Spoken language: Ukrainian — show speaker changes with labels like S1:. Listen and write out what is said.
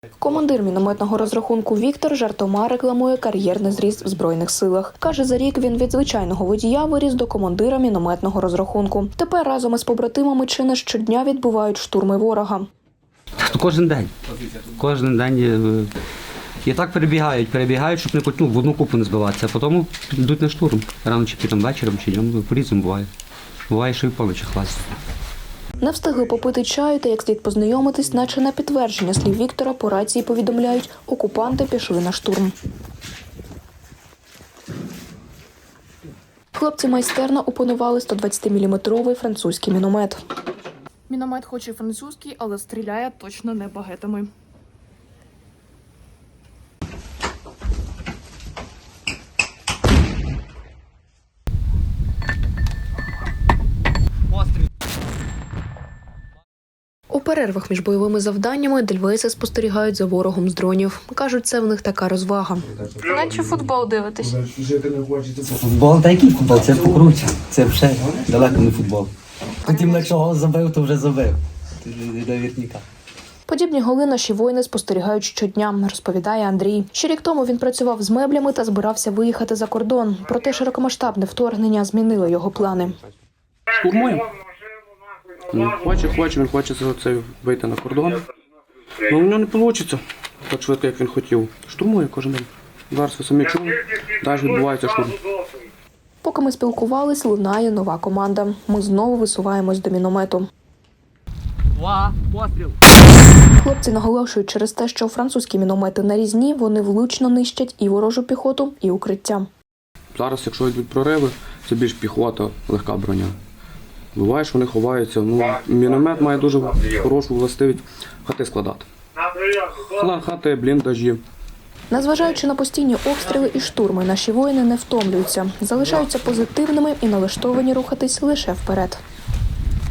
S1: Командир мінометного розрахунку Віктор жартома рекламує кар'єрний зріст в Збройних силах. Каже, за рік він від звичайного водія виріс до командира мінометного розрахунку. Тепер разом із побратимами чи не щодня відбувають штурми ворога.
S2: Кожен день. Кожен день. І так перебігають, щоб не в одну купу не збиватися, а потім йдуть на штурм. Рано чи пізно вечором, чи днем, по-різному буває. Буває, що і поночі хласять.
S1: Не встигли попити чаю та як слід познайомитись, наче на підтвердження слів Віктора по рації повідомляють, окупанти пішли на штурм. Хлопці майстерно опанували 120-мм французький міномет.
S3: Міномет хоч і французький, але стріляє точно не багетами.
S1: У перервах між бойовими завданнями дельвейси спостерігають за ворогом з дронів. Кажуть, це в них така розвага.
S3: Наче футбол дивитесь.
S2: Футбол? Та який футбол? Це покруче. Це вже далеко не футбол. Потім, якщо гол забив, то вже забив. Це вже вірніка.
S1: Подібні голи наші воїни спостерігають щодня, розповідає Андрій. Ще рік тому він працював з меблями та збирався виїхати за кордон. Проте широкомасштабне вторгнення змінило його плани.
S4: Штурмуємо. Він хоче вийти на кордон. Але в нього не вийде так швидко, як він хотів. Штурмує кожен день. Зараз ви самі чули, далі відбувається штурм.
S1: Поки ми спілкувались, лунає нова команда. Ми знову висуваємось до міномету.
S2: Постріл!
S1: Хлопці наголошують, через те, що французькі міномети нарізні, вони влучно нищать і ворожу піхоту, і укриття.
S4: Зараз, якщо йдуть прориви, це більш піхота, легка броня. Буває, що вони ховаються. Міномет має дуже хорошу властивість хати складати. Хати, бліндажі.
S1: Незважаючи на постійні обстріли і штурми, наші воїни не втомлюються, залишаються позитивними і налаштовані рухатись лише вперед.